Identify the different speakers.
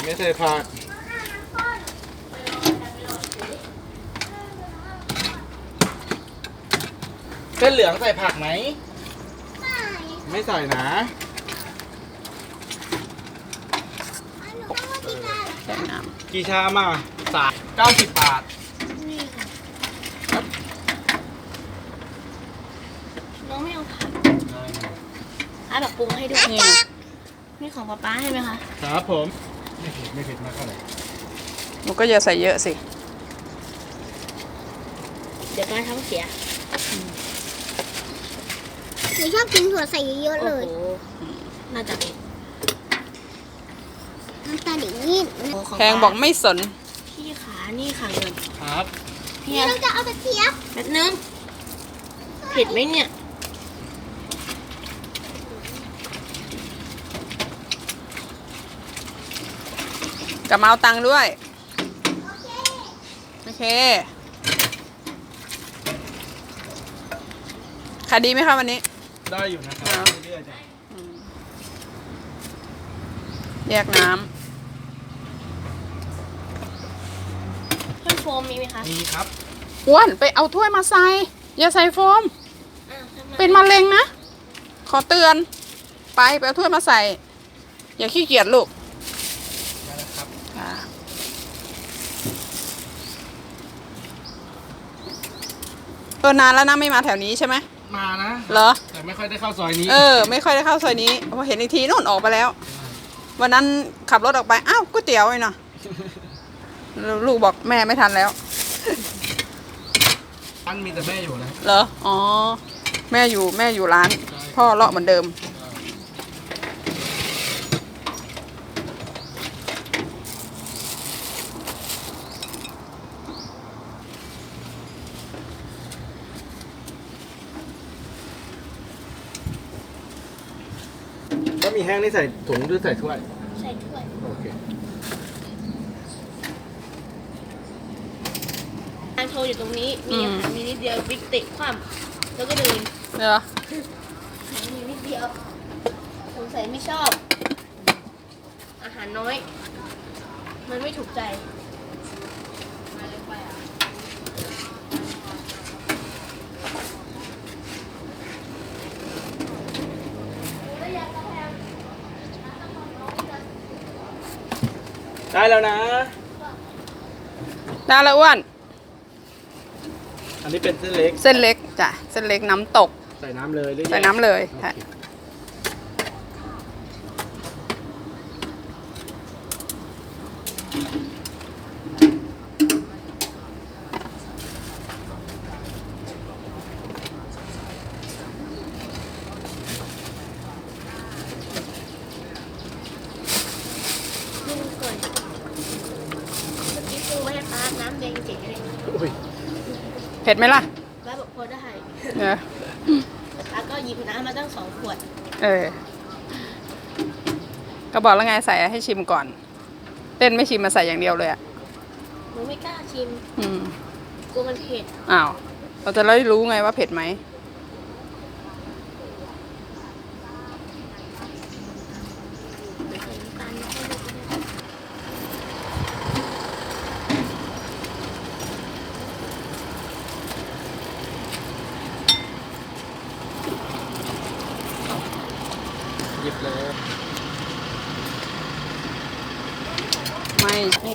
Speaker 1: ไม่ใส่ผักเส้นเหลืองใส่ผักไหมไม่ใส่นะกี่ชามอ่ะ90 บาท
Speaker 2: น้องไม่เอาผักแบบปรุงให้ด้วยนี่ของป๊าให้ไหมคะ
Speaker 1: ครับผมไม่เผ็ดมากเท่าไหร่
Speaker 3: หนูก็อย่าใส่เยอะสิ
Speaker 2: เดี๋ยวป้าท้องเสีย
Speaker 4: หนูชอบกินถั่วใส่เยอะๆเลย
Speaker 2: น่าจะเป็น
Speaker 4: น้ำตาลอย่างนี้
Speaker 3: แพงบอกไม่สน
Speaker 2: พี่ขานี่ค่ะเงิน
Speaker 1: ครับ
Speaker 4: พี่เราจะเอากระเทียม
Speaker 2: แป๊บนึงเผ็ดไหมเนี่ย
Speaker 3: กลับมาเอาตังค์ด้วยโอเคขายดีไหมคะวันนี้
Speaker 1: ได้อยู่นะครับเรื่อยๆจ้ะ
Speaker 3: แยกน้
Speaker 2: เครื่องโฟมมีไหมคะ
Speaker 1: มีครับ
Speaker 3: ำอ้วนไปเอาถ้วยมาใส่อย่าใส่โฟมเป็นมะเร็งนะขอเตือนไปเอาถ้วยมาใส่อย่าขี้เกียจลูกนานแล้วนะไม่มาแถวนี้ใช่ไหม
Speaker 1: มานะ
Speaker 3: เหรอ
Speaker 1: แต่ไม่ค่อยได้เข้าซอยนี้
Speaker 3: ไม่ค่อยได้เข้าซอยนี้พอเห็นอีกทีนู่นออกไปแล้ววันนั้นขับรถออกไปอ้าวก๋วยเตี๋ยวไอ้เนาะลูกบอกแม่ไม่ทันแล้ว
Speaker 1: ร้านมีแต่แม่อยู่นะ
Speaker 3: เหรออ๋อแม่อยู่ร้านพ่อเลาะเหมือนเดิม
Speaker 1: ก็มีแห้งนี่ใส่ถุงหรือใส่ถ้วย
Speaker 2: ใส่ถ้วย
Speaker 1: โอเค
Speaker 2: ทางโชว์อยู่ตรงนี้มีนิดเดียวบิ๊กติคว่ำแล้วก็เดิน
Speaker 3: เหรอ
Speaker 2: มีนิดเดียวสงสัยไม่ชอบอาหารน้อยมันไม่ถูกใจ
Speaker 1: ได้แล้วนะ
Speaker 3: ได้แล้วอ้วน
Speaker 1: อันนี้เป็นเส้นเล็ก
Speaker 3: จ้ะเส้นเล็กน้ำตก
Speaker 1: ใส่น้ำเลยหรือ
Speaker 3: ใส่น้ำเลยใช่
Speaker 2: น้ำแดงเจ๋งเลย
Speaker 3: เผ็ดไหมล่ะ
Speaker 2: ป้าบอกพอได้
Speaker 3: แล้ว
Speaker 2: ก็หยิบน้ำมาตั้ง2 ขวด
Speaker 3: ก็บอกแล้วไงใส่ให้ชิมก่อนเต้นไม่ชิมมาใส่อย่างเดียวเลยอ่ะ
Speaker 2: หนูไม่กล้าชิมกลัวมันเผ็ด
Speaker 3: อ้าวเราจะได้รู้ไงว่าเผ็ดไหม
Speaker 1: หยิบเลย
Speaker 3: ไม่